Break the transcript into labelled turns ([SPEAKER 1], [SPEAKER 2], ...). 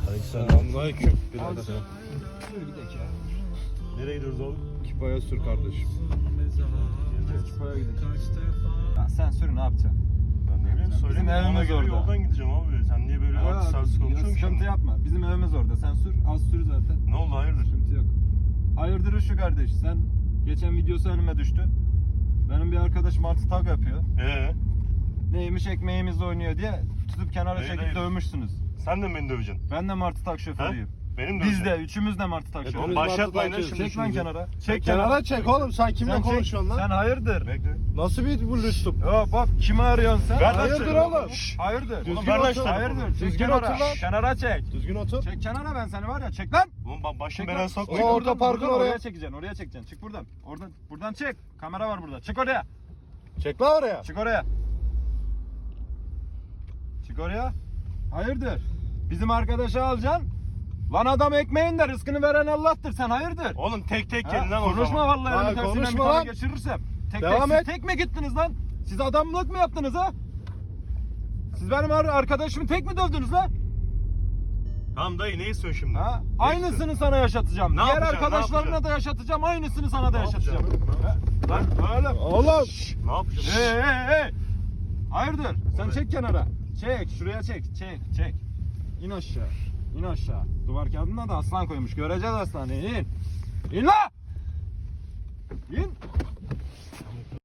[SPEAKER 1] Selamünaleyküm.
[SPEAKER 2] Birader. Sür gidelim ya.
[SPEAKER 1] Nereye gidiyoruz oğlum?
[SPEAKER 2] Kipaya sür kardeşim.
[SPEAKER 3] Kipaya gidelim. Ya sen sür ne yapacaksın?
[SPEAKER 1] Ben ne bileyim söyleyeyim.
[SPEAKER 3] Bizim evimiz
[SPEAKER 1] Ona göre
[SPEAKER 3] orada.
[SPEAKER 1] yoldan gideceğim abi. Sen niye böyle artist artist konuşuyorsun ki?
[SPEAKER 3] Sıkıntı yapma. Bizim evimiz orada. Sen sür. Az sür zaten.
[SPEAKER 1] Ne oldu hayırdır?
[SPEAKER 3] Sıkıntı yok. Hayırdır şu kardeş. Sen geçen videosu önüme düştü. Benim bir arkadaş martı tag yapıyor. Neymiş ekmeğimizle oynuyor diye tutup kenara çekip
[SPEAKER 1] hayır.
[SPEAKER 3] dövmüşsünüz.
[SPEAKER 1] Sen de mi beni döveceksin?
[SPEAKER 3] Ben de martı tag şoförüyüm.
[SPEAKER 1] Benim de
[SPEAKER 3] Biz de üçümüz de martı tak
[SPEAKER 1] Oğlum
[SPEAKER 3] şoförü.
[SPEAKER 1] başlatmayın lan şimdi.
[SPEAKER 3] Çek lan kenara. Çek
[SPEAKER 2] Kenara çek oğlum, sen kimle
[SPEAKER 3] Sen çek.
[SPEAKER 2] konuşuyorsun lan?
[SPEAKER 3] Sen hayırdır?
[SPEAKER 1] Bekle.
[SPEAKER 2] Nasıl bir bu lüslup?
[SPEAKER 3] Hop hop kimi arıyorsun sen?
[SPEAKER 1] Ver lan
[SPEAKER 2] Hayırdır
[SPEAKER 1] şöyle.
[SPEAKER 2] oğlum?
[SPEAKER 3] Hayırdır?
[SPEAKER 2] Düzgün
[SPEAKER 1] Oğlum ver lan
[SPEAKER 2] otur.
[SPEAKER 1] şu telefonu.
[SPEAKER 3] Hayırdır? Çek
[SPEAKER 2] Düzgün
[SPEAKER 3] kenara.
[SPEAKER 2] otur lan.
[SPEAKER 3] Kenara çek.
[SPEAKER 2] Düzgün otur.
[SPEAKER 3] Çek kenara ben seni var ya çek lan.
[SPEAKER 1] Oğlum başım
[SPEAKER 3] Çek
[SPEAKER 1] belaya
[SPEAKER 3] lan.
[SPEAKER 1] sokma.
[SPEAKER 2] Oğlum, orta parkın
[SPEAKER 3] buradan
[SPEAKER 2] oraya.
[SPEAKER 3] çekeceksin. Oraya çekeceksin. Çık buradan. Buradan çek. Kamera var burada. Çık oraya.
[SPEAKER 2] Çek lan oraya.
[SPEAKER 3] Çık oraya. Çık oraya. Hayırdır? Bizim arkadaşı alacaksın. Lan adam ekmeğin de rızkını veren Allah'tır. Sen hayırdır?
[SPEAKER 1] Oğlum tek
[SPEAKER 3] Ha,
[SPEAKER 1] gelin lan o
[SPEAKER 3] konuşma
[SPEAKER 1] zaman.
[SPEAKER 3] vallahi
[SPEAKER 2] Ha,
[SPEAKER 3] elimi tersinden bir
[SPEAKER 2] konuşma
[SPEAKER 3] tane
[SPEAKER 2] lan.
[SPEAKER 3] geçirirsem.
[SPEAKER 2] Devam et.
[SPEAKER 3] Tek mi gittiniz lan? Siz adamlık mı yaptınız ha? Siz benim arkadaşımı tek mi dövdünüz lan?
[SPEAKER 1] Tamam dayı ne istiyorsun şimdi?
[SPEAKER 3] Ha?
[SPEAKER 1] Ne
[SPEAKER 3] Aynısını
[SPEAKER 1] istiyorsun?
[SPEAKER 3] sana yaşatacağım.
[SPEAKER 1] Ne
[SPEAKER 3] Diğer
[SPEAKER 1] yapacaksın, ne
[SPEAKER 3] arkadaşlarına
[SPEAKER 1] yapacaksın?
[SPEAKER 3] da yaşatacağım. Aynısını sana da
[SPEAKER 1] Ne
[SPEAKER 3] yaşatacağım.
[SPEAKER 1] yapacaksın?
[SPEAKER 3] Ha? Lan oğlum.
[SPEAKER 2] Oğlum.
[SPEAKER 1] Ne yapacağım?
[SPEAKER 3] Hey. Hayırdır? Sen çek kenara. Çek. Şuraya çek. Çek. İn aşağı. İn aşağı. Duvar kağıdına da aslan koymuş. Göreceğiz aslanı. İn. İn la! İn.